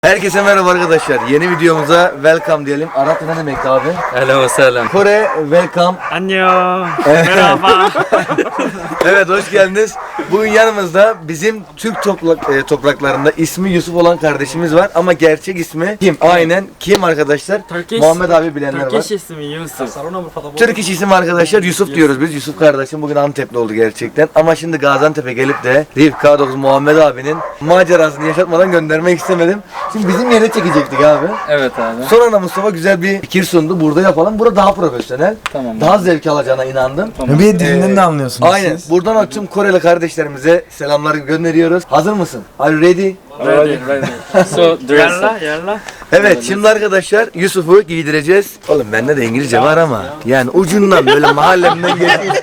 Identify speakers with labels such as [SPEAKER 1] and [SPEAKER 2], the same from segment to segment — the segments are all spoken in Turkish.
[SPEAKER 1] Herkese merhaba arkadaşlar. Yeni videomuza welcome diyelim. Arapça ne demek abi?
[SPEAKER 2] Hello selam.
[SPEAKER 1] Kore welcome.
[SPEAKER 3] Annyeong. Merhaba.
[SPEAKER 1] Evet, hoş geldiniz. Bugün yanımızda bizim Türk topraklarında ismi Yusuf olan kardeşimiz var ama gerçek ismi kim? Aynen kim arkadaşlar? Muhammed abi bilenler var.
[SPEAKER 3] Turkish ismi Yusuf.
[SPEAKER 1] Türk iş isim arkadaşlar Yusuf diyoruz biz. Yusuf kardeşim bugün Antepli oldu gerçekten. Ama şimdi Gaziantep'e gelip de K9 Muhammed abinin macerasını yaşatmadan göndermek istemedim. Şimdi bizim yere çekecektik abi.
[SPEAKER 2] Evet abi.
[SPEAKER 1] Sonra da Mustafa güzel bir fikir sundu. Burada yapalım. Burada daha profesyonel.
[SPEAKER 2] Tamam.
[SPEAKER 1] Daha zevk alacağına inandım.
[SPEAKER 2] Tamam.
[SPEAKER 4] Bir dilinden de anlıyorsunuz
[SPEAKER 1] Aynen.
[SPEAKER 4] siz.
[SPEAKER 1] Buradan tüm Koreli kardeşlerimize selamlar gönderiyoruz. Hazır mısın? Are you ready?
[SPEAKER 2] Ready. So dress
[SPEAKER 3] Yalla
[SPEAKER 2] up.
[SPEAKER 3] yalla.
[SPEAKER 1] Evet, şimdi arkadaşlar Yusuf'u giydireceğiz. Oğlum bende de İngilizce var ama yani ucundan böyle mahallemden geçmiş.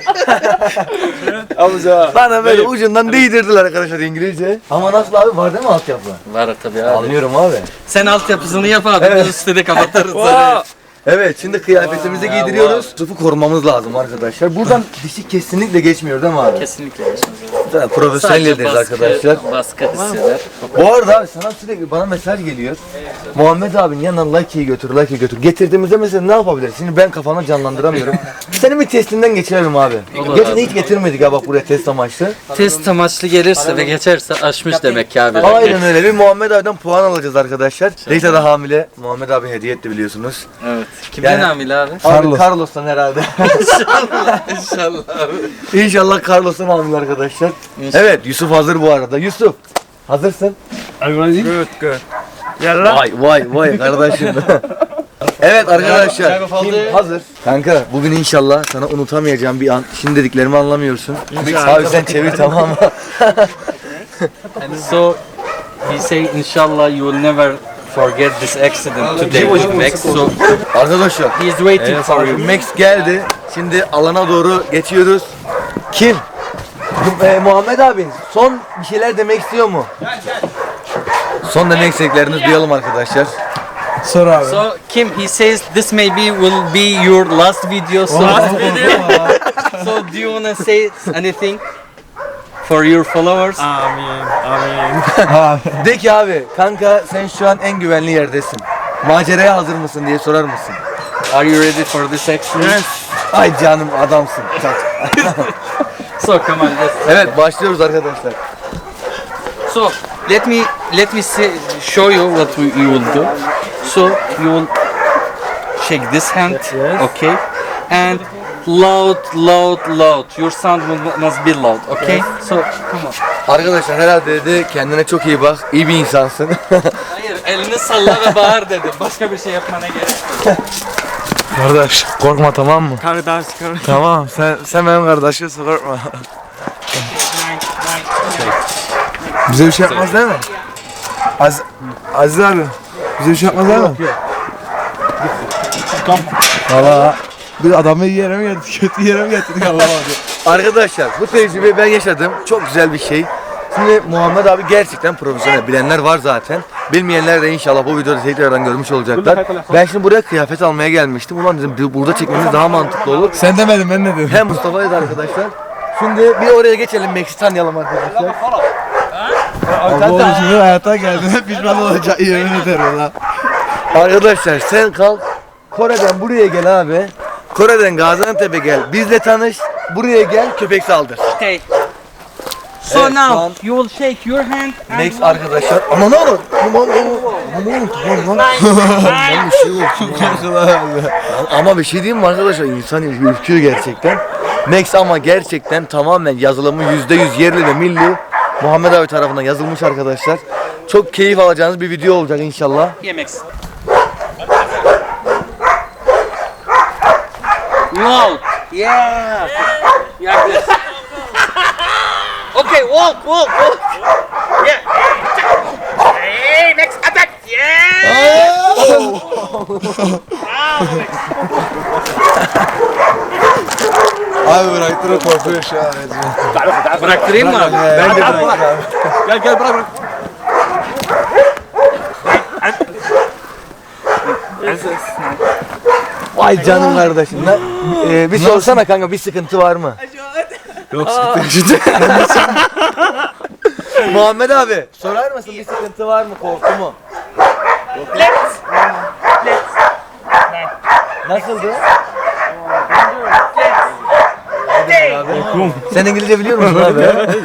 [SPEAKER 1] Bana böyle ucundan değdirdiler arkadaşlar İngilizce. Ama nasıl abi, var değil mi altyapı?
[SPEAKER 2] Var tabii abi.
[SPEAKER 1] Anlıyorum abi.
[SPEAKER 2] Sen altyapısını yap abi.
[SPEAKER 1] Evet.
[SPEAKER 2] Biz üstüne kapatırız.
[SPEAKER 1] Evet, şimdi kıyafetimizi giydiriyoruz. Yusuf'u korumamız lazım arkadaşlar. Buradan dişi kesinlikle geçmiyor değil mi abi?
[SPEAKER 2] Kesinlikle geçmez.
[SPEAKER 1] Profesyonel yeriz arkadaşlar.
[SPEAKER 2] Baskı hisseder.
[SPEAKER 1] Bu arada abi sana sürekli bana mesaj geliyor. Muhammed abinin yanına Lucky'yi götür, Lucky'yi götür. Getirdiğimizde mesela ne yapabiliriz? Şimdi ben kafamda canlandıramıyorum. Senin bir testinden geçirelim abi.
[SPEAKER 2] Olur
[SPEAKER 1] Geçen
[SPEAKER 2] abi.
[SPEAKER 1] hiç getirmedik ha bak buraya test amaçlı.
[SPEAKER 2] Test amaçlı gelirse ve geçerse aşmış demek ki abi.
[SPEAKER 1] Aynen öyle. Bir Muhammed abiden puan alacağız arkadaşlar. Rita da hamile. Muhammed abi hediye etti biliyorsunuz.
[SPEAKER 2] Evet. Kimden
[SPEAKER 1] Yani-
[SPEAKER 2] hamile abi?
[SPEAKER 1] Abi Carlos'tan herhalde.
[SPEAKER 2] İnşallah abi.
[SPEAKER 1] İnşallah Carlos'tan hamile arkadaşlar. Evet, Yusuf hazır bu arada. Yusuf hazırsın.
[SPEAKER 3] Good good. Yalla.
[SPEAKER 1] Vay kardeşim. Evet arkadaşlar, kim hazır? Kanka bugün inşallah sana unutamayacağım bir an. Şimdi dediklerimi anlamıyorsun.
[SPEAKER 3] İnşallah.
[SPEAKER 1] Abi sen çevir tamam mı?
[SPEAKER 2] And so he say inshallah you will never forget this accident today with Max. So
[SPEAKER 1] Arkadaşlar
[SPEAKER 2] he is waiting for you.
[SPEAKER 1] Max geldi. Şimdi alana doğru geçiyoruz. Kim? Muhammed abi son bir şeyler demek istiyor mu? Son demek istediklerinizi duyalım arkadaşlar.
[SPEAKER 4] Sor abi.
[SPEAKER 2] So Kim, he says this maybe will be your last video. So, so do you wanna say anything for your followers?
[SPEAKER 3] Amin. Amin.
[SPEAKER 1] De ki abi, kanka sen şu an en güvenli yerdesin. Maceraya hazır mısın diye sorar mısın?
[SPEAKER 2] Are you ready for this action?
[SPEAKER 3] Yes.
[SPEAKER 1] Ay canım adamsın.
[SPEAKER 2] So come on, let's.
[SPEAKER 1] Evet, başlıyoruz arkadaşlar.
[SPEAKER 2] So let me show you what you will do. So you will shake this hand, okay, and loud. Your sound must be loud, okay? So come on.
[SPEAKER 1] Arkadaşlar herhalde dedi kendine çok iyi bak, iyi bir insansın.
[SPEAKER 2] Hayır, elini salla ve bağır dedim. Başka bir şey yapmana gerek yok.
[SPEAKER 4] Kardeş korkma tamam mı?
[SPEAKER 3] Kardeş.
[SPEAKER 4] Tamam sen benim kardeşimsin korkma. Bize bir şey yapmaz değil mi? Aziz abi bize bir şey yapmaz değil mi? Valla bir adamı iyi yere mi getirdik, kötü yere mi getirdik Allah'a abi.
[SPEAKER 1] Arkadaşlar bu tecrübeyi ben yaşadım. Çok güzel bir şey. Şimdi Muhammed abi gerçekten profesyonel. Bilenler var zaten. Bilmeyenler de inşallah bu videoda tekrardan görmüş olacaklar. Ben şimdi buraya kıyafet almaya gelmiştim. Ulan dedim burada çekmemiz daha mantıklı olur.
[SPEAKER 4] Sen demedin ben ne dedim?
[SPEAKER 1] Hem Mustafa'ydı arkadaşlar. Şimdi bir oraya geçelim, Max'i tanıyalım arkadaşlar.
[SPEAKER 4] Abi oğlum şimdi hayata geldiğinde pişman olacak yemin ederim lan.
[SPEAKER 1] Arkadaşlar sen kalk. Kore'den buraya gel abi. Kore'den Gaziantep'e gel. Bizle tanış. Buraya gel, köpek saldır.
[SPEAKER 2] Okay. So
[SPEAKER 1] Evet, şu an-
[SPEAKER 2] now you will shake your hand. and
[SPEAKER 1] Max arkadaşlar. Aman oğlum. Ama bir şey diyeyim mi arkadaşlar? İnsan ürküyor gerçekten. Max ama gerçekten tamamen yazılımı %100 yerli ve milli. Muhammed abi tarafından yazılmış arkadaşlar. Çok keyif alacağınız bir video olacak inşallah.
[SPEAKER 2] Yeah, Max. Loud. Yeah. Yeah. Yes. Okay, walk. Yeah. Hey, next attack. Yeah.
[SPEAKER 4] Abi bıraktırıp korkuyor şu an.
[SPEAKER 2] Bıraktırayım mı abi?
[SPEAKER 4] Ben de bıraktım abi.
[SPEAKER 3] Gel bırak.
[SPEAKER 1] Vay canım kardeşim. Bir sorsana kanka, bir sıkıntı var mı?
[SPEAKER 4] Yok sıkıntı.
[SPEAKER 1] Muhammed abi sorar mısın, bir sıkıntı var mı, korku mu? Nasıldı? Sen İngilizce biliyor musun abi?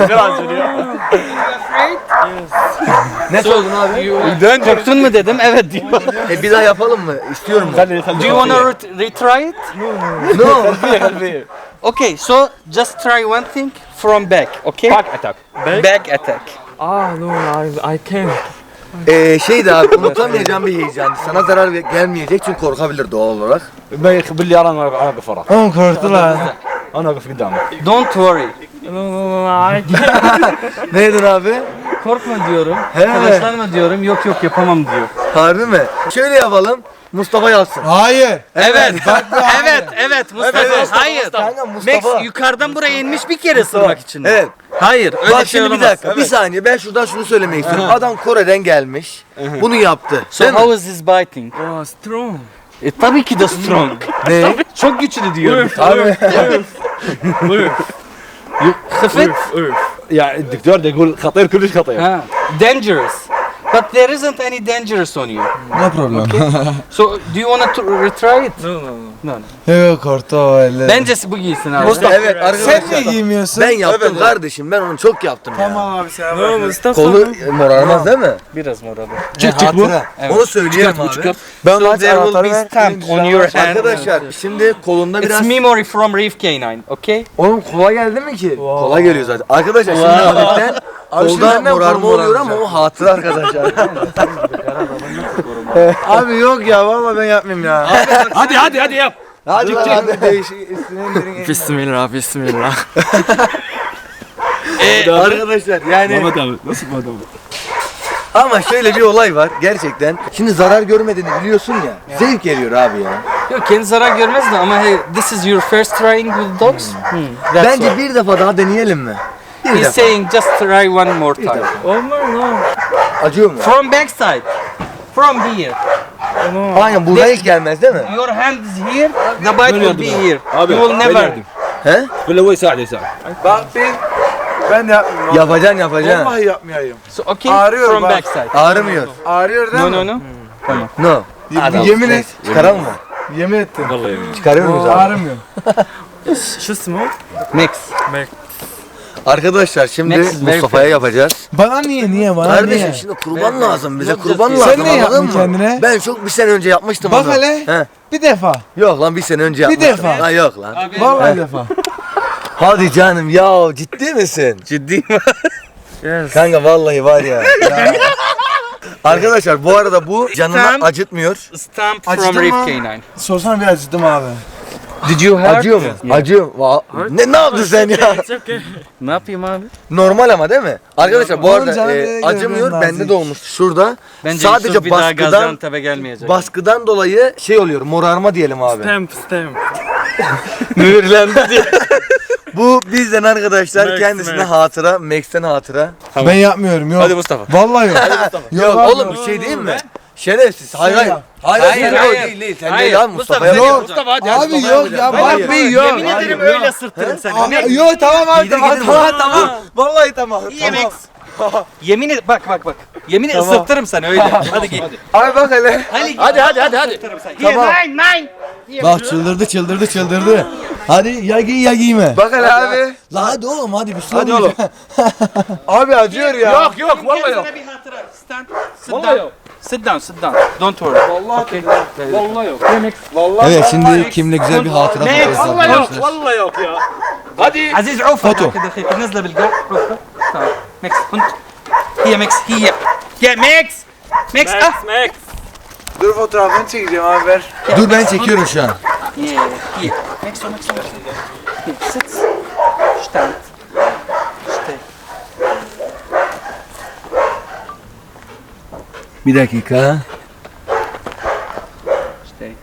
[SPEAKER 1] Ne sordun abi?
[SPEAKER 2] Korktun mu dedim. Evet diyor.
[SPEAKER 1] Bir daha yapalım mı? İstiyorum mu?
[SPEAKER 2] Do you wanna retry it?
[SPEAKER 1] No.
[SPEAKER 2] Okay, so just try one thing from back, okay?
[SPEAKER 3] Back attack.
[SPEAKER 2] Back attack.
[SPEAKER 3] Ah no, I can't.
[SPEAKER 1] Şeydi abi unutamayacağım bir heyecandı. Sana zarar gelmeyecek çünkü korkabilir doğal olarak.
[SPEAKER 3] ما يخبر لي انا اقف وراك.
[SPEAKER 4] Oğlum korktular.
[SPEAKER 3] انا اقف قدامك.
[SPEAKER 2] Don't worry.
[SPEAKER 3] No, I can't.
[SPEAKER 1] Ne dedin abi?
[SPEAKER 2] Korkma diyorum.
[SPEAKER 1] He.
[SPEAKER 2] Telaşlanma diyorum. Yok yok yapamam diyor.
[SPEAKER 1] Harbi mi? Şöyle yapalım. Mustafa yazsın.
[SPEAKER 4] Hayır.
[SPEAKER 2] Evet. evet Mustafa.
[SPEAKER 1] Evet.
[SPEAKER 2] Hayır.
[SPEAKER 1] Kanka Mustafa.
[SPEAKER 2] Max yukarıdan buraya inmiş bir kere ısırmak için.
[SPEAKER 1] Evet.
[SPEAKER 2] Hayır öyle
[SPEAKER 1] Bak
[SPEAKER 2] şey
[SPEAKER 1] şimdi bir
[SPEAKER 2] olamaz.
[SPEAKER 1] dakika. Bir saniye ben şuradan şunu söylemek istiyorum. Adam Kore'den gelmiş. Bunu yaptı.
[SPEAKER 2] So
[SPEAKER 1] Değil mi?
[SPEAKER 2] how is this biting?
[SPEAKER 3] Oh, strong.
[SPEAKER 2] Tabii ki de strong.
[SPEAKER 1] Ne?
[SPEAKER 2] Çok güçlü diyorum.
[SPEAKER 1] Abi.
[SPEAKER 2] Hafif.
[SPEAKER 3] يعني الدكتور ده يقول خطير كلش خطير.
[SPEAKER 2] Ha. Dangerous. But there isn't any dangerous on you.
[SPEAKER 4] No problem.
[SPEAKER 2] So do you want to retry it?
[SPEAKER 3] No.
[SPEAKER 4] Yok korktu o öyle.
[SPEAKER 2] Bence bu giysin abi.
[SPEAKER 1] Evet
[SPEAKER 4] Sen niye
[SPEAKER 1] arkadaşlar.
[SPEAKER 4] giymiyorsun?
[SPEAKER 1] Ben yaptım kardeşim. Ben onu çok yaptım ya.
[SPEAKER 4] Tamam abi sen
[SPEAKER 3] No, Mustafa.
[SPEAKER 1] Kolu morarmaz değil mi?
[SPEAKER 2] Biraz moralı.
[SPEAKER 1] Çık bu.
[SPEAKER 2] Evet.
[SPEAKER 1] Onu söyleyelim abi.
[SPEAKER 4] Ben
[SPEAKER 2] So there will be stamped on your hand.
[SPEAKER 1] Arkadaşlar şimdi kolunda
[SPEAKER 2] It's
[SPEAKER 1] biraz...
[SPEAKER 2] memory from Reef Canine, okay?
[SPEAKER 1] Oğlum kola geldi mi ki? Kola geliyor zaten. Arkadaşlar şimdi hafiften
[SPEAKER 4] şimdi
[SPEAKER 1] kolda
[SPEAKER 4] benden
[SPEAKER 1] morarma
[SPEAKER 4] kolum
[SPEAKER 1] oluyor ama o hatıra arkadaşlar.
[SPEAKER 4] Abi yok ya vallahi ben yapmayayım ya.
[SPEAKER 3] هادي ياب.
[SPEAKER 1] Hadi lan hadi değişik üstüne indirin.
[SPEAKER 3] بسم الله بسم الله.
[SPEAKER 1] Arkadaşlar yani
[SPEAKER 3] abi nasıl bu adam?
[SPEAKER 1] ama şöyle bir olay var gerçekten. Şimdi zarar görmediğini biliyorsun ya. Zevk geliyor abi ya.
[SPEAKER 2] Yok kendi zarar görmez de ama hey, this is your first trying with dogs? That's
[SPEAKER 1] Bence
[SPEAKER 2] why.
[SPEAKER 1] bir defa daha deneyelim mi? Bir
[SPEAKER 2] He's
[SPEAKER 1] defa.
[SPEAKER 2] saying just try one more time.
[SPEAKER 1] Acıyor mu?
[SPEAKER 2] From backside. From here.
[SPEAKER 1] Aynen burada hiç gelmez değil mi?
[SPEAKER 2] Your hand is here, the bite will be here.
[SPEAKER 3] Abi,
[SPEAKER 2] You will never.
[SPEAKER 1] He?
[SPEAKER 3] ولا هو يساعد يساعد.
[SPEAKER 4] Bak ben de yapmayayım.
[SPEAKER 1] Yapacaksın yapacaksın.
[SPEAKER 4] Vallahi yapmayayım.
[SPEAKER 2] So okay,
[SPEAKER 4] Ağrıyor
[SPEAKER 2] from
[SPEAKER 4] bak.
[SPEAKER 2] backside.
[SPEAKER 1] Ağrımıyor.
[SPEAKER 4] Ağrıyor değil
[SPEAKER 2] No
[SPEAKER 4] mi?
[SPEAKER 2] no no.
[SPEAKER 1] No.
[SPEAKER 4] Yemin et.
[SPEAKER 1] Çıkaralım mı?
[SPEAKER 4] Yemin ettim.
[SPEAKER 3] والله يمين.
[SPEAKER 1] Çıkarıyor muyuz abi?
[SPEAKER 4] Ağrımıyor.
[SPEAKER 3] شو اسمه؟
[SPEAKER 2] Max.
[SPEAKER 1] Arkadaşlar şimdi
[SPEAKER 2] Next is very
[SPEAKER 1] Mustafa'ya yapacağız.
[SPEAKER 4] Bana niye bana
[SPEAKER 1] Kardeşim
[SPEAKER 4] niye?
[SPEAKER 1] şimdi kurban lazım bize kurban
[SPEAKER 2] Sen
[SPEAKER 1] lazım
[SPEAKER 4] ne
[SPEAKER 1] anladın
[SPEAKER 4] yaptın
[SPEAKER 1] mı?
[SPEAKER 4] kendine?
[SPEAKER 1] Ben çok bir sene önce yapmıştım
[SPEAKER 4] Bak
[SPEAKER 1] onu.
[SPEAKER 4] hele.
[SPEAKER 1] He.
[SPEAKER 4] Bir defa.
[SPEAKER 1] Yok lan bir sene önce
[SPEAKER 4] Bir
[SPEAKER 1] yapmıştım.
[SPEAKER 4] defa.
[SPEAKER 1] Ha yok lan.
[SPEAKER 4] Vallahi bir defa.
[SPEAKER 1] Hadi canım ya ciddi misin?
[SPEAKER 2] Ciddi.
[SPEAKER 1] Kanka vallahi var ya. Arkadaşlar bu arada bu canını
[SPEAKER 2] Stamp.
[SPEAKER 1] acıtmıyor.
[SPEAKER 2] Stamp from
[SPEAKER 4] Acıdı
[SPEAKER 2] Reef
[SPEAKER 4] mı?
[SPEAKER 2] Canine.
[SPEAKER 4] Sorsana bir acıdım abi.
[SPEAKER 2] Did you hurt?
[SPEAKER 1] Acıyor mu? Acıyor. Ne yaptın sen ya?
[SPEAKER 3] It's okay.
[SPEAKER 2] Ne yapayım abi?
[SPEAKER 1] Normal ama değil mi? Arkadaşlar bu
[SPEAKER 4] Oğlum
[SPEAKER 1] arada
[SPEAKER 4] canım nereye
[SPEAKER 1] acımıyor.
[SPEAKER 4] gidiyor,
[SPEAKER 1] Bende
[SPEAKER 4] nazik.
[SPEAKER 1] de olmuştu şurada.
[SPEAKER 2] Bence
[SPEAKER 1] Sadece
[SPEAKER 2] Yusuf bir daha
[SPEAKER 1] baskıdan
[SPEAKER 2] Gaziantep'e gelmeyecek.
[SPEAKER 1] baskıdan dolayı şey oluyor. Morarma diyelim abi.
[SPEAKER 3] Stamp.
[SPEAKER 2] Mühürlendi diye.
[SPEAKER 1] Bu bizden arkadaşlar
[SPEAKER 3] Max,
[SPEAKER 1] kendisine
[SPEAKER 3] Max.
[SPEAKER 1] hatıra, Max'ten hatıra.
[SPEAKER 4] Ben yapmıyorum yok.
[SPEAKER 2] Hadi Mustafa.
[SPEAKER 4] Vallahi yok.
[SPEAKER 1] Yok
[SPEAKER 4] abi,
[SPEAKER 1] oğlum bir şey değil mi? Şerefsiz. Hayır hayır.
[SPEAKER 4] yap.
[SPEAKER 1] Hayır
[SPEAKER 2] Hayır,
[SPEAKER 1] hayır.
[SPEAKER 2] hayır.
[SPEAKER 1] Değil değil. Sen
[SPEAKER 2] Hayır,
[SPEAKER 1] değil abi
[SPEAKER 2] Mustafa,
[SPEAKER 1] Mustafa'ya.
[SPEAKER 4] Yok.
[SPEAKER 2] Mustafa hadi.
[SPEAKER 4] Abi yok ya
[SPEAKER 1] Hayır.
[SPEAKER 4] bak yok.
[SPEAKER 2] Yemin ederim öyle sırtırım seni.
[SPEAKER 4] Abi, yok tamam abi
[SPEAKER 1] Giydir,
[SPEAKER 4] tamam
[SPEAKER 1] giydir
[SPEAKER 4] tamam
[SPEAKER 1] bunu.
[SPEAKER 4] tamam. Vallahi tamam.
[SPEAKER 2] İyi Max. Yemin et bak. Yemin et ısırtırım seni öyle. Hadi giy.
[SPEAKER 4] Abi bak hele.
[SPEAKER 2] Hadi.
[SPEAKER 1] Tamam.
[SPEAKER 2] Nine.
[SPEAKER 1] Bak çıldırdı. Hadi ya giy ya giyme.
[SPEAKER 4] Bak hele abi.
[SPEAKER 1] La hadi oğlum hadi bir şey
[SPEAKER 4] Hadi oğlum. Abi acıyor ya.
[SPEAKER 3] yok والله yok.
[SPEAKER 2] Sana bir hatıra. Stand. Sit
[SPEAKER 3] Vallahi
[SPEAKER 2] down.
[SPEAKER 3] yok.
[SPEAKER 2] Sit down. Don't worry.
[SPEAKER 3] Vallahi والله yok.
[SPEAKER 4] Vallahi.
[SPEAKER 1] Evet şimdi kimle güzel bir hatıra
[SPEAKER 2] Max,
[SPEAKER 1] fotoğrafı
[SPEAKER 3] والله yok.
[SPEAKER 1] arkadaşlar.
[SPEAKER 3] والله yok ya. Hadi.
[SPEAKER 2] عزيز عوفة
[SPEAKER 1] فوتو.
[SPEAKER 2] كده خير نزله بالقلب عوفة تعال ميكس كنت هي ميكس هي يا ميكس ميكس اه
[SPEAKER 3] Max.
[SPEAKER 4] Dur fotoğrafını çekeceğim abi ver.
[SPEAKER 1] Dur ben çekiyorum şu an.
[SPEAKER 2] هي هي ميكس ميكس ست اشتغل اشتغل
[SPEAKER 1] Bir dakika.
[SPEAKER 2] اشتغل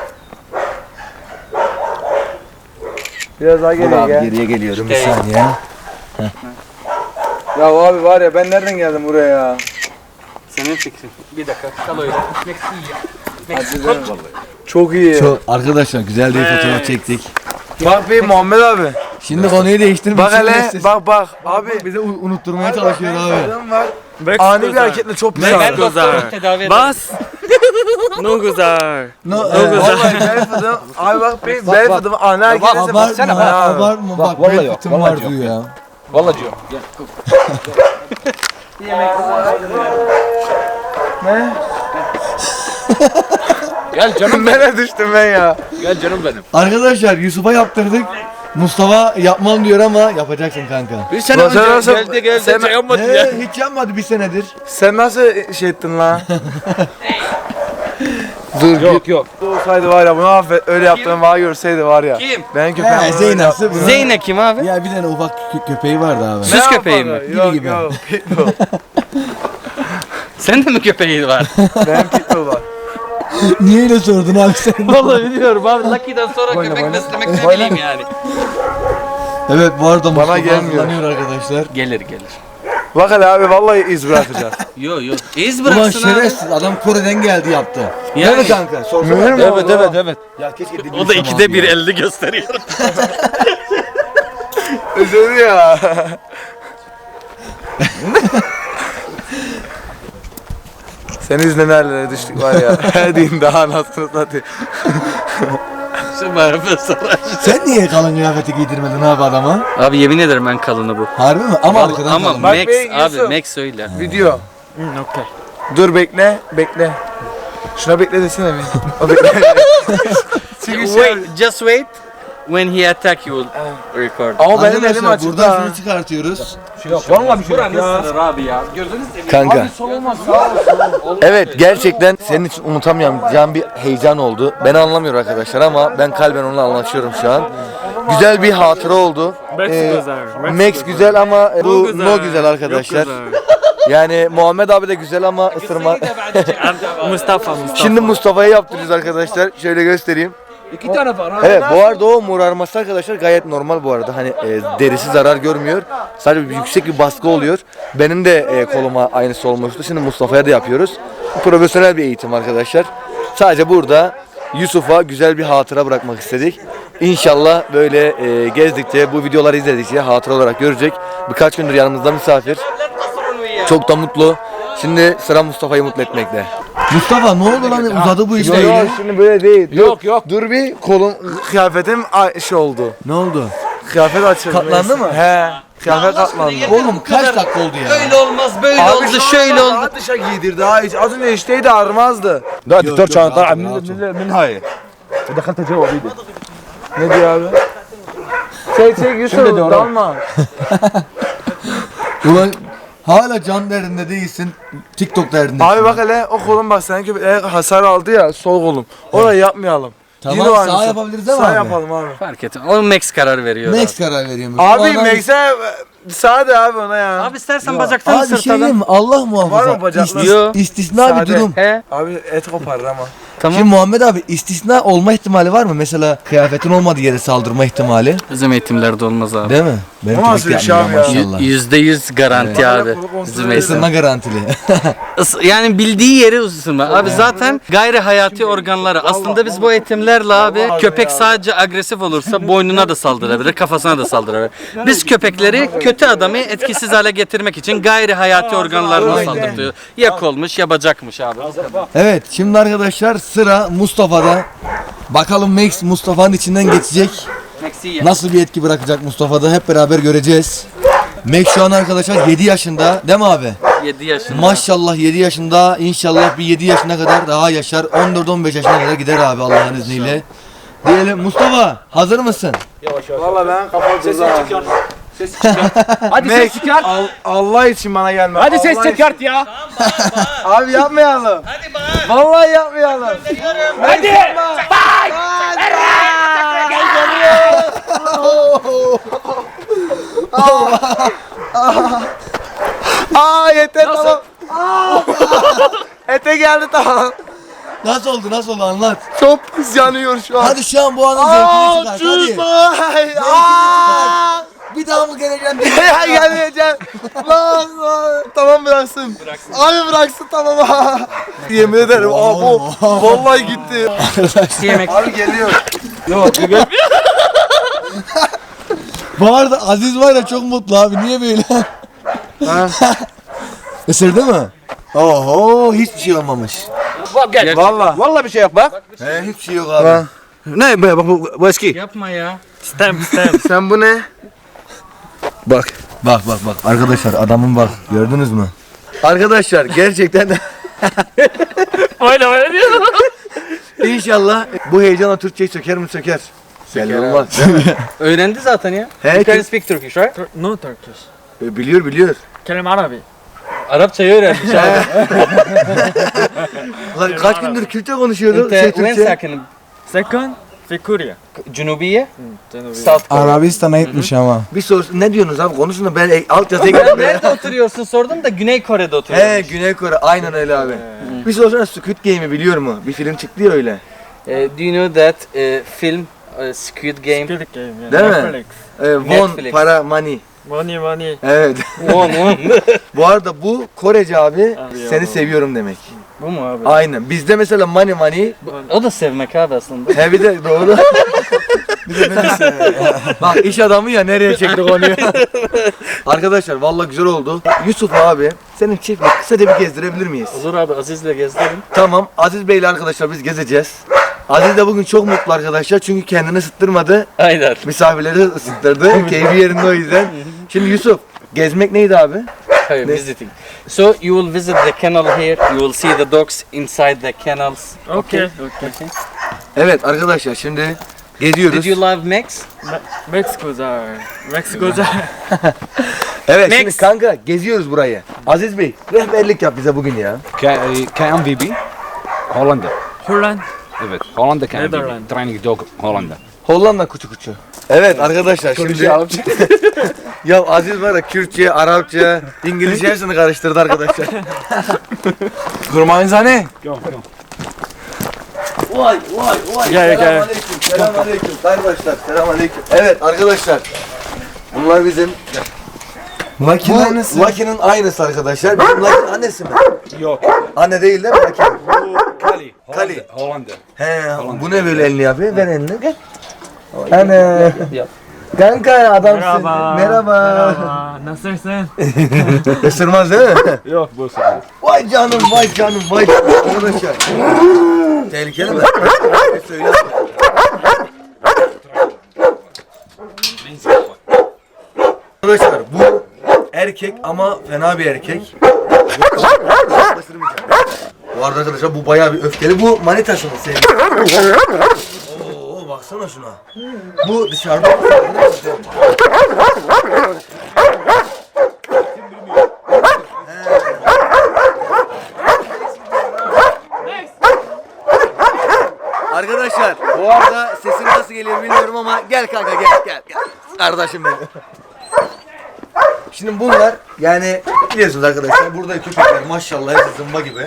[SPEAKER 4] Biraz daha
[SPEAKER 1] Dur
[SPEAKER 4] geriye
[SPEAKER 1] abi
[SPEAKER 4] gel.
[SPEAKER 1] geriye geliyorum bir
[SPEAKER 2] İşte.
[SPEAKER 1] saniye.
[SPEAKER 4] Ya abi var ya ben nereden geldim buraya ya?
[SPEAKER 2] senin fikrin bir dakika kal öyle ميكس هي ميكس كنت
[SPEAKER 4] Çok iyi.
[SPEAKER 1] Çok arkadaşlar güzel bir fotoğraf çektik.
[SPEAKER 4] Bak bir Muhammed abi.
[SPEAKER 1] Şimdi konuyu değiştirmek
[SPEAKER 4] Bak
[SPEAKER 1] için
[SPEAKER 4] hele
[SPEAKER 1] siz-
[SPEAKER 4] bak abi.
[SPEAKER 1] bize unutturmaya çalışıyor abi.
[SPEAKER 4] Adam var. Ani bir hareketle çok pis
[SPEAKER 2] ben
[SPEAKER 4] ağrıyor.
[SPEAKER 2] doktorum tedavi ederim
[SPEAKER 3] Bas. No güzel.
[SPEAKER 4] Vallahi bel fıtığı. Abi bak benim bel fıtığımı ana herkese baksana.
[SPEAKER 5] Abartma bak bel fıtığım var diyor ya.
[SPEAKER 3] Vallahi diyor. Gel canım benim.
[SPEAKER 4] Nereye düştüm ben ya?
[SPEAKER 3] Gel canım benim.
[SPEAKER 5] Arkadaşlar Yusuf'a yaptırdık. Mustafa yapmam diyor ama yapacaksın kanka.
[SPEAKER 3] Bir sene
[SPEAKER 4] Sen
[SPEAKER 3] önce
[SPEAKER 4] nasıl-
[SPEAKER 3] geldi
[SPEAKER 4] sen-
[SPEAKER 3] şey yapmadı ya.
[SPEAKER 5] Hiç yapmadı bir senedir.
[SPEAKER 4] Sen nasıl şey ettin lan? Dur
[SPEAKER 3] Yok yok.
[SPEAKER 4] olsaydı var ya bunu affet. Öyle yaptığını bana görseydi var ya.
[SPEAKER 2] Kim?
[SPEAKER 4] Ben köpeğim.
[SPEAKER 5] He Zeynep'si bunu.
[SPEAKER 2] Zeyne kim abi?
[SPEAKER 5] Ya bir tane ufak köpeği vardı abi.
[SPEAKER 2] Süs köpeği mi?
[SPEAKER 4] Yok
[SPEAKER 5] gibi.
[SPEAKER 4] yok. Pitbull.
[SPEAKER 2] Sen de mi köpeği var?
[SPEAKER 4] Benim pitbull var.
[SPEAKER 5] Niye öyle sordun abi sen?
[SPEAKER 2] Vallahi biliyorum abi. Lucky'den sonra köpek beslemek ne bileyim yani.
[SPEAKER 5] Evet bu arada Mustafa
[SPEAKER 4] gelmiyor.
[SPEAKER 5] hazırlanıyor arkadaşlar.
[SPEAKER 2] Gelir gelir.
[SPEAKER 4] Bak hele abi vallahi iz bırakacağız.
[SPEAKER 2] Yo yo. İz
[SPEAKER 5] Ulan
[SPEAKER 2] bıraksın abi.
[SPEAKER 5] şerefsiz adam Kore'den geldi yaptı.
[SPEAKER 2] Yani-
[SPEAKER 5] Değil mi kanka? Sorsana.
[SPEAKER 4] Mühür mü
[SPEAKER 3] Evet
[SPEAKER 4] oldu?
[SPEAKER 3] evet evet.
[SPEAKER 5] Ya keşke de
[SPEAKER 2] O da ikide bir elde gösteriyor.
[SPEAKER 4] Özür ya. Senin yüzünden nerelere düştük var ya. Her din daha anasını satayım.
[SPEAKER 2] Şu bana sonra.
[SPEAKER 5] Sen niye kalın kıyafeti giydirmedin abi adama?
[SPEAKER 2] Abi yemin ederim ben kalını bu.
[SPEAKER 5] Harbi mi? Ama arkadan
[SPEAKER 2] Ama
[SPEAKER 5] kalın.
[SPEAKER 4] Bak
[SPEAKER 2] Max
[SPEAKER 4] be,
[SPEAKER 2] abi
[SPEAKER 4] Yusuf.
[SPEAKER 2] Max öyle.
[SPEAKER 4] Video.
[SPEAKER 3] Okay.
[SPEAKER 4] Dur bekle, bekle. Şuna bekle desene bir. O bekle. Çünkü
[SPEAKER 2] Wait, just wait. When he attack you will record.
[SPEAKER 4] Ama benim elim
[SPEAKER 5] Arkadaşlar
[SPEAKER 4] açık
[SPEAKER 5] buradan
[SPEAKER 4] da.
[SPEAKER 5] şunu çıkartıyoruz.
[SPEAKER 3] Vallahi bir şey yok ya.
[SPEAKER 2] Buranın abi ya. Gördünüz mü?
[SPEAKER 1] Kanka. Evet gerçekten senin için unutamayacağım bir heyecan oldu. Beni anlamıyor arkadaşlar ama ben kalben onunla anlaşıyorum şu an. Güzel bir hatıra oldu. Max güzel ama bu no güzel arkadaşlar. Yani Muhammed abi de güzel ama ısırma.
[SPEAKER 3] Mustafa.
[SPEAKER 1] Şimdi Mustafa'ya yaptırıyoruz arkadaşlar. Şöyle göstereyim.
[SPEAKER 3] İki tane var.
[SPEAKER 1] Evet bu arada o morarması arkadaşlar gayet normal bu arada. Hani derisi zarar görmüyor. Sadece yüksek bir baskı oluyor. Benim de koluma aynısı olmuştu. Şimdi Mustafa'ya da yapıyoruz. Profesyonel bir eğitim arkadaşlar. Sadece burada Yusuf'a güzel bir hatıra bırakmak istedik. İnşallah böyle gezdikçe, bu videoları izledikçe hatıra olarak görecek. Birkaç gündür yanımızda misafir. Çok da mutlu. Şimdi sıra Mustafa'yı mutlu etmekte.
[SPEAKER 5] Mustafa ne oldu lan uzadı bu iş
[SPEAKER 4] Yok
[SPEAKER 5] böyle.
[SPEAKER 4] yok şimdi böyle değil.
[SPEAKER 3] Yok yok.
[SPEAKER 4] Dur bir kolum kıyafetim şey oldu.
[SPEAKER 5] Ne oldu?
[SPEAKER 4] Kıyafet açıldı.
[SPEAKER 5] Katlandı mı?
[SPEAKER 4] He. Kıyafet katlandı.
[SPEAKER 5] Oğlum kaç dakika oldu ya?
[SPEAKER 2] Öyle olmaz, böyle oldu,
[SPEAKER 4] şu
[SPEAKER 2] şöyle
[SPEAKER 4] an
[SPEAKER 2] oldu.
[SPEAKER 4] daha dışa giydirdi ha hiç. Az önce işteydi ağrımazdı.
[SPEAKER 3] ده
[SPEAKER 5] yok,
[SPEAKER 3] دكتور كان طالع
[SPEAKER 5] rahat
[SPEAKER 3] من
[SPEAKER 5] ol.
[SPEAKER 3] من هاي دخلت جوا بيدي.
[SPEAKER 4] Ne diyor abi? Çek Yusuf dalma.
[SPEAKER 5] Ulan hala can derdinde değilsin. TikTok derdinde.
[SPEAKER 4] Abi bak hele o kolum bak senin köpeğe hasar aldı ya sol kolum. Orayı yapmayalım.
[SPEAKER 5] Tamam,
[SPEAKER 4] Yine var
[SPEAKER 5] sağ
[SPEAKER 4] mısın?
[SPEAKER 5] yapabiliriz ama
[SPEAKER 4] Sağ
[SPEAKER 5] abi.
[SPEAKER 4] yapalım abi.
[SPEAKER 2] Fark ettim. O Max karar veriyor.
[SPEAKER 5] Max karar veriyormuş.
[SPEAKER 4] Abi
[SPEAKER 5] O adam-
[SPEAKER 4] Max'e sağ de abi ona ya.
[SPEAKER 2] Abi istersen bacaktan
[SPEAKER 5] Abi bir şey diyeyim
[SPEAKER 2] sırtalım.
[SPEAKER 5] mi? Allah muhafaza.
[SPEAKER 4] Var mı bacakları?
[SPEAKER 2] Yo.
[SPEAKER 5] İstisna bir
[SPEAKER 4] Sade.
[SPEAKER 5] durum.
[SPEAKER 2] He,
[SPEAKER 4] Abi et koparır ama.
[SPEAKER 2] tamam.
[SPEAKER 5] Şimdi Muhammed abi istisna olma ihtimali var mı? Mesela kıyafetin olmadığı yere saldırma ihtimali.
[SPEAKER 2] Bizim eğitimlerde olmaz abi.
[SPEAKER 5] Değil mi? Benim
[SPEAKER 4] O nasıl
[SPEAKER 5] köpek
[SPEAKER 4] bir şey
[SPEAKER 5] yapmıyor
[SPEAKER 4] abi ya?
[SPEAKER 5] maşallah.
[SPEAKER 2] %100 garanti abi.
[SPEAKER 4] Kontrol
[SPEAKER 2] Bizim
[SPEAKER 4] edelim.
[SPEAKER 2] eğitim.
[SPEAKER 5] Isınma garantili.
[SPEAKER 2] Yani bildiği yeri ısırma. Abi zaten gayri hayati organları. Aslında biz bu eğitimlerle abi köpek sadece agresif olursa boynuna da saldırabilir, kafasına da saldırabilir. Biz köpekleri kötü adamı etkisiz hale getirmek için gayri hayati organlarına saldırtıyor. Ya kolmuş ya bacakmış abi.
[SPEAKER 5] Evet şimdi arkadaşlar sıra Mustafa'da. Bakalım Max Mustafa'nın içinden geçecek. Nasıl bir etki bırakacak Mustafa'da hep beraber göreceğiz. Max şu an arkadaşlar 7 yaşında değil mi abi?
[SPEAKER 2] 7 yaşında.
[SPEAKER 5] Maşallah 7 yaşında, inşallah bir 7 yaşına kadar daha yaşar. 14-15 yaşına kadar gider abi Allah'ın izniyle. Diyelim Mustafa hazır mısın?
[SPEAKER 4] Valla ben kapalı
[SPEAKER 3] Hadi ses çıkart.
[SPEAKER 4] Allah için bana gelme.
[SPEAKER 3] Hadi ses
[SPEAKER 4] Allah
[SPEAKER 3] çıkart ya.
[SPEAKER 4] için. Abi yapmayalım.
[SPEAKER 2] Hadi bak.
[SPEAKER 4] Vallahi yapmayalım.
[SPEAKER 3] Hadi.
[SPEAKER 4] Aa yeter tamam. Ete geldi tamam.
[SPEAKER 5] Nasıl oldu anlat.
[SPEAKER 4] Çok pis yanıyor şu an.
[SPEAKER 5] Hadi şu an bu anın zevkini çıkart hadi.
[SPEAKER 4] Aa!
[SPEAKER 5] Bir daha mı geleceğim?
[SPEAKER 4] Ya gelmeyeceğim. Lan. Tamam bıraksın. Abi bıraksın tamam. Yemin ederim abi vallahi gitti.
[SPEAKER 2] Yemek.
[SPEAKER 4] Abi geliyor.
[SPEAKER 5] Bu arada Aziz var ya çok mutlu abi. Niye böyle?
[SPEAKER 4] Ha?
[SPEAKER 5] Isırdı mı? Oho hiçbir şey olmamış.
[SPEAKER 3] Gel. Vallahi bir şey yok bak.
[SPEAKER 1] He hiçbir şey yok abi.
[SPEAKER 3] Ne bu eski?
[SPEAKER 2] Yapma ya.
[SPEAKER 3] Stem.
[SPEAKER 1] Sen bu ne? Bak. Bak. Arkadaşlar adamın bak. Gördünüz mü? Arkadaşlar gerçekten
[SPEAKER 3] Öyle diyor.
[SPEAKER 1] İnşallah bu heyecanla Türkçeyi söker mi söker. Belli olmaz.
[SPEAKER 2] Öğrendi zaten ya.
[SPEAKER 1] He,
[SPEAKER 2] You can speak Turkish, right?
[SPEAKER 3] No Turkish.
[SPEAKER 1] biliyor.
[SPEAKER 3] Kelim Arabi.
[SPEAKER 2] Arapçayı öğrenmiş abi.
[SPEAKER 1] Ulan kaç gündür Kürtçe konuşuyordu.
[SPEAKER 2] When
[SPEAKER 1] Türkçe.
[SPEAKER 2] second?
[SPEAKER 3] Second, في كوريا.
[SPEAKER 2] Cunubiye?
[SPEAKER 3] جنوبي.
[SPEAKER 2] South Korea.
[SPEAKER 4] Arabistan'a gitmiş ama.
[SPEAKER 1] Bir soru ne diyorsunuz abi konuşun da ben alt yazıya
[SPEAKER 2] Ya
[SPEAKER 1] gidiyorum.
[SPEAKER 2] nerede oturuyorsun sordum da Güney Kore'de oturuyorum.
[SPEAKER 1] He Güney Kore aynen öyle abi. Bir sorsana Squid Game'i biliyor mu? Bir film çıktı ya öyle.
[SPEAKER 2] Do you know that film Squid Game?
[SPEAKER 3] Squid Game. Yeah.
[SPEAKER 1] Değil mi?
[SPEAKER 3] Netflix.
[SPEAKER 1] Won
[SPEAKER 2] Netflix.
[SPEAKER 1] para money.
[SPEAKER 3] Money.
[SPEAKER 1] Evet.
[SPEAKER 2] One.
[SPEAKER 1] Bu arada bu Korece abi
[SPEAKER 3] Abi
[SPEAKER 1] seni
[SPEAKER 3] ya.
[SPEAKER 1] seviyorum demek.
[SPEAKER 2] Bu mu abi?
[SPEAKER 1] Aynen. Bizde mesela money
[SPEAKER 2] O da sevmek abi aslında.
[SPEAKER 1] he bir de doğru. bir de beni seviyor. Bak iş adamı ya nereye çekti konuyu. Arkadaşlar vallahi güzel oldu. Yusuf abi senin çiftlik kısaca bir gezdirebilir miyiz?
[SPEAKER 2] Olur abi Aziz'le gezdirin.
[SPEAKER 1] Tamam. Aziz Bey'le arkadaşlar biz gezeceğiz. Aziz de bugün çok mutlu arkadaşlar çünkü kendini ısıttırmadı.
[SPEAKER 2] Aynen.
[SPEAKER 1] Misafirleri ısıttırdı. Keyfi yerinde o yüzden. Şimdi Yusuf gezmek neydi abi?
[SPEAKER 2] Hayır, visiting. So you will visit the kennel here. You will see the dogs inside the kennels.
[SPEAKER 3] Okay.
[SPEAKER 1] Evet arkadaşlar şimdi geziyoruz.
[SPEAKER 2] Did you love Max?
[SPEAKER 3] Mexico'da.
[SPEAKER 1] Evet
[SPEAKER 2] Next.
[SPEAKER 1] şimdi kanka geziyoruz burayı. Aziz Bey rehberlik yap bize bugün ya.
[SPEAKER 6] KMVB Hollanda.
[SPEAKER 3] Holland.
[SPEAKER 6] Evet, Hollanda KMVB.
[SPEAKER 3] Netherlands.
[SPEAKER 6] Training Dog Hollanda.
[SPEAKER 1] Hollanda kuçu kuçu. Evet arkadaşlar şimdi ya Aziz var ya Kürtçe, Arapça, İngilizce hepsini karıştırdı arkadaşlar. Kurmanzane. Vay.
[SPEAKER 3] Gel.
[SPEAKER 1] Selamünaleyküm arkadaşlar. Selamünaleyküm. Evet arkadaşlar. Bunlar bizim
[SPEAKER 4] Lucky'nin
[SPEAKER 1] bu
[SPEAKER 4] aynısı.
[SPEAKER 1] Lucky'nin aynısı arkadaşlar. Bizim Lucky'nin annesi mi?
[SPEAKER 6] Yok.
[SPEAKER 1] Anne değil değil mi Lucky?
[SPEAKER 6] Kali.
[SPEAKER 1] Kali.
[SPEAKER 6] Hollanda.
[SPEAKER 1] He, bu ne böyle elini yapıyor? Ver elini. Gel. Anne. Kanka adamsın. Merhaba.
[SPEAKER 3] Nasılsın?
[SPEAKER 1] Isırmaz değil mi?
[SPEAKER 6] Yok bu
[SPEAKER 1] Vay canım. Arkadaşlar. Tehlikeli mi? Söyle. Arkadaşlar bu erkek ama fena bir erkek. Bu arada arkadaşlar bu bayağı bir öfkeli. Bu manitası mı senin? Oo baksana şuna. Bu dışarıda mı? Arkadaşlar bu arada sesim nasıl geliyor bilmiyorum ama gel kanka gel. Kardeşim benim. Şimdi bunlar yani biliyorsunuz arkadaşlar burada köpekler maşallah hepsi zımba gibi.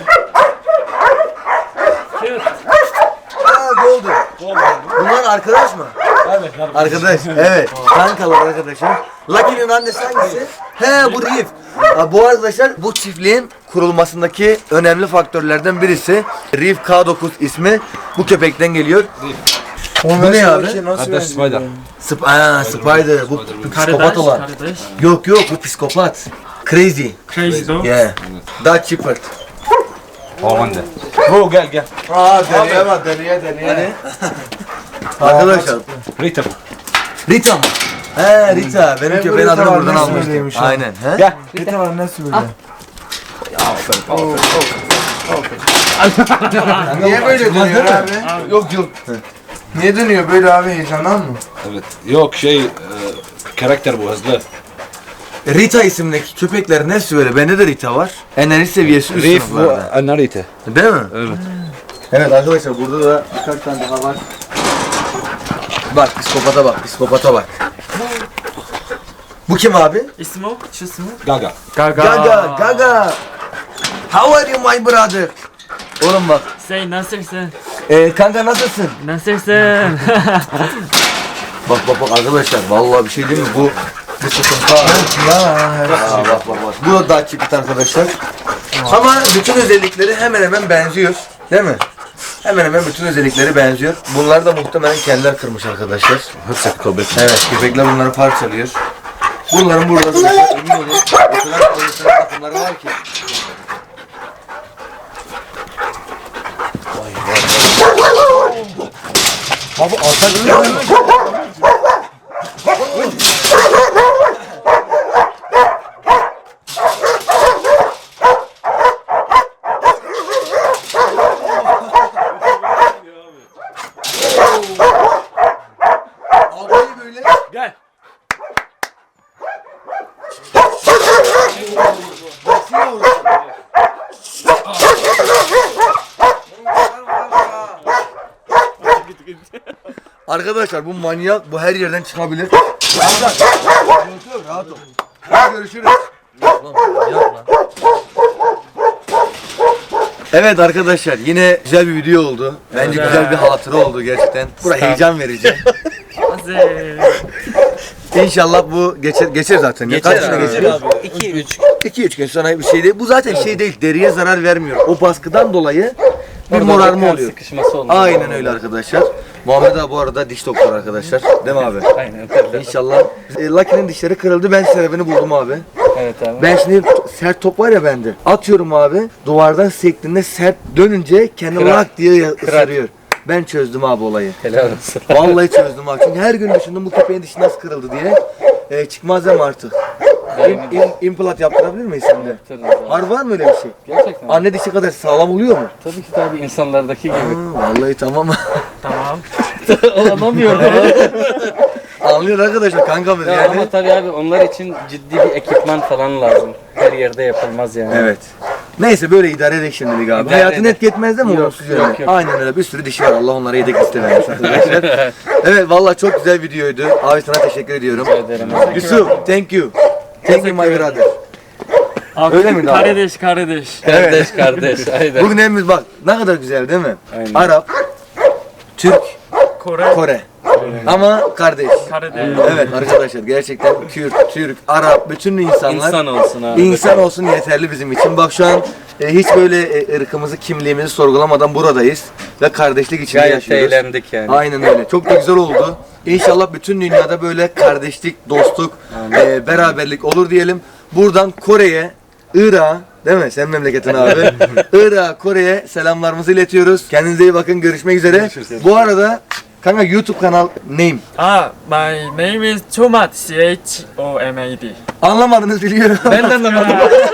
[SPEAKER 1] Golden. Bunlar arkadaş mı?
[SPEAKER 6] Evet.
[SPEAKER 1] Arkadaş. Evet. Kankalar arkadaşım. Lucky'nin annesi hangisi? He bu Reef. Bu arkadaşlar bu çiftliğin kurulmasındaki önemli faktörlerden birisi. Reef K9 ismi bu köpekten geliyor. Bu ne abi?
[SPEAKER 6] Hatta Spider.
[SPEAKER 1] Spider. Bu psikopat olan.
[SPEAKER 3] Kardeş.
[SPEAKER 1] Yok bu psikopat. Crazy.
[SPEAKER 3] Crazy dog.
[SPEAKER 1] Yeah. Dutch Shepherd.
[SPEAKER 6] Hollanda.
[SPEAKER 3] Bu gel.
[SPEAKER 1] Deneye. Arkadaşlar.
[SPEAKER 6] Rita.
[SPEAKER 1] Rita mı? He Rita. Benim köpeğin adını buradan almıştım. Aynen. He?
[SPEAKER 4] Bir tane annesi böyle. Niye böyle dönüyor abi? Yok. Niye dönüyor böyle abi heyecandan mı?
[SPEAKER 6] Evet. Yok karakter bu hızlı.
[SPEAKER 1] Rita isimdeki köpeklerin hepsi böyle. Bende de Rita var. Enerji seviyesi üst
[SPEAKER 6] Reef bu
[SPEAKER 1] sınıflarda.
[SPEAKER 6] Narita.
[SPEAKER 1] Değil mi?
[SPEAKER 6] Evet.
[SPEAKER 1] Evet arkadaşlar burada da birkaç tane daha var. Bak psikopata bak. Bu kim abi?
[SPEAKER 3] İsmi o? Şu ismi?
[SPEAKER 6] Gaga.
[SPEAKER 1] Gaga. How are you my brother? Oğlum bak.
[SPEAKER 3] Say nasılsın?
[SPEAKER 1] Kanka nasılsın?
[SPEAKER 3] Nasılsın?
[SPEAKER 1] Bak arkadaşlar vallahi bir şey değil mi bu sıkıntı abi. Bak. Bu da daha çipit arkadaşlar. Ama bütün özellikleri hemen hemen benziyor. Değil mi? Hemen hemen bütün özellikleri benziyor. Bunlar da muhtemelen kendiler kırmış arkadaşlar.
[SPEAKER 6] Hepsi köpek.
[SPEAKER 1] Evet köpekler bunları parçalıyor. Bunların burada emin olun. O kadar takımları var ki. Abi arka
[SPEAKER 3] Gel.
[SPEAKER 1] Arkadaşlar bu manyak, bu her yerden çıkabilir. Rahat ol. Hadi görüşürüz. Evet arkadaşlar yine güzel bir video oldu. Bence güzel bir hatıra oldu gerçekten. Burası heyecan verici.
[SPEAKER 3] Hazır.
[SPEAKER 1] İnşallah bu geçer zaten.
[SPEAKER 2] Geçer
[SPEAKER 1] Kaç güne
[SPEAKER 2] abi.
[SPEAKER 1] geçiyor?
[SPEAKER 2] 2-3.
[SPEAKER 1] 2-3 gün sonra bir şey değil. Bu zaten şey değil. Deriye zarar vermiyor. O baskıdan dolayı bir
[SPEAKER 2] Orada
[SPEAKER 1] morarma
[SPEAKER 2] kan
[SPEAKER 1] oluyor.
[SPEAKER 2] sıkışması olmuş.
[SPEAKER 1] Aynen öyle arkadaşlar. Muhammed abi bu arada diş doktoru arkadaşlar. Değil mi abi?
[SPEAKER 2] Aynen.
[SPEAKER 1] İnşallah. Lucky'nin dişleri kırıldı. Ben sebebini buldum abi.
[SPEAKER 2] Evet abi.
[SPEAKER 1] Ben şimdi sert top var ya bende. Atıyorum abi. Duvardan sektiğinde sert dönünce kendi
[SPEAKER 2] Kırar.
[SPEAKER 1] lak diye ısırıyor. Ben çözdüm abi olayı.
[SPEAKER 2] Helal olsun.
[SPEAKER 1] Vallahi çözdüm abi. Çünkü her gün düşündüm bu köpeğin dişi nasıl kırıldı diye. Çıkmaz hem artık. Implant yaptırabilir miyiz şimdi? Var var mı öyle bir şey?
[SPEAKER 2] Gerçekten.
[SPEAKER 1] Anne dişi kadar sağlam oluyor mu?
[SPEAKER 2] Tabii ki tabii insanlardaki gibi.
[SPEAKER 1] Vallahi tamam.
[SPEAKER 3] Tamam.
[SPEAKER 2] Anlamıyorum.
[SPEAKER 1] Anlıyor arkadaşlar kankamız
[SPEAKER 2] Ya
[SPEAKER 1] yani.
[SPEAKER 2] ama tabii abi onlar için ciddi bir ekipman falan lazım. Her yerde yapılmaz yani.
[SPEAKER 1] Evet. Neyse böyle idare edek şimdilik abi.
[SPEAKER 2] İdare
[SPEAKER 1] Hayatını
[SPEAKER 2] edek.
[SPEAKER 1] etki etmez değil mi?
[SPEAKER 2] Yok,
[SPEAKER 1] olumsuz
[SPEAKER 2] yok,
[SPEAKER 1] yönde?
[SPEAKER 2] yok.
[SPEAKER 1] Aynen öyle. Bir sürü dişi var. Allah onlara yedek liste vermiş arkadaşlar. Evet vallahi çok güzel videoydu. Abi sana teşekkür ediyorum.
[SPEAKER 2] Ederim.
[SPEAKER 1] Yusuf, thank you. Thank you my brother.
[SPEAKER 3] Abi,
[SPEAKER 1] Öyle miydi abi?
[SPEAKER 3] Kardeş kardeş.
[SPEAKER 2] Kardeş kardeş. Aynen.
[SPEAKER 1] Bugün hepimiz bak ne kadar güzel değil mi?
[SPEAKER 2] Aynen.
[SPEAKER 1] Arap, Türk,
[SPEAKER 3] Kore.
[SPEAKER 1] Kore. Ama kardeş.
[SPEAKER 3] Kardeş.
[SPEAKER 1] Evet arkadaşlar gerçekten Kürt, Türk, Arap bütün insanlar
[SPEAKER 2] İnsan olsun abi.
[SPEAKER 1] İnsan olsun yeterli bizim için. Bak şu an hiç böyle ırkımızı, kimliğimizi sorgulamadan buradayız ve kardeşlik içinde
[SPEAKER 2] Gayet
[SPEAKER 1] yaşıyoruz.
[SPEAKER 2] eğlendik yani.
[SPEAKER 1] Aynen öyle. Çok da güzel oldu. İnşallah bütün dünyada böyle kardeşlik, dostluk, beraberlik olur diyelim. Buradan Kore'ye, Irak'a, değil mi? Sen memleketin abi. Irak'a, Kore'ye selamlarımızı iletiyoruz. Kendinize iyi bakın. Görüşmek üzere. Bu arada kanka YouTube kanal name.
[SPEAKER 3] My name is Chomad. CHOMAD.
[SPEAKER 1] Anlamadınız biliyorum.
[SPEAKER 2] Ben de anlamadım.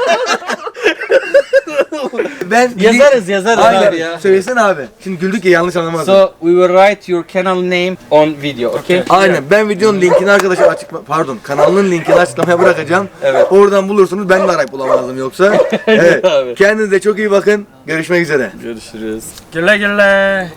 [SPEAKER 1] Ben
[SPEAKER 2] yazarız
[SPEAKER 1] Aynen.
[SPEAKER 2] abi ya.
[SPEAKER 1] Söylesene abi. Şimdi güldük ya yanlış anlamadın.
[SPEAKER 2] So we will write your channel name on video, okay?
[SPEAKER 1] Aynen. Ben videonun linkini arkadaşlar kanalının linkini açıklamaya bırakacağım.
[SPEAKER 2] Evet.
[SPEAKER 1] Oradan bulursunuz. Ben de arayıp bulamazdım yoksa. Evet.
[SPEAKER 2] Abi.
[SPEAKER 1] Kendinize çok iyi bakın. Görüşmek üzere.
[SPEAKER 2] Görüşürüz.
[SPEAKER 3] Güle güle.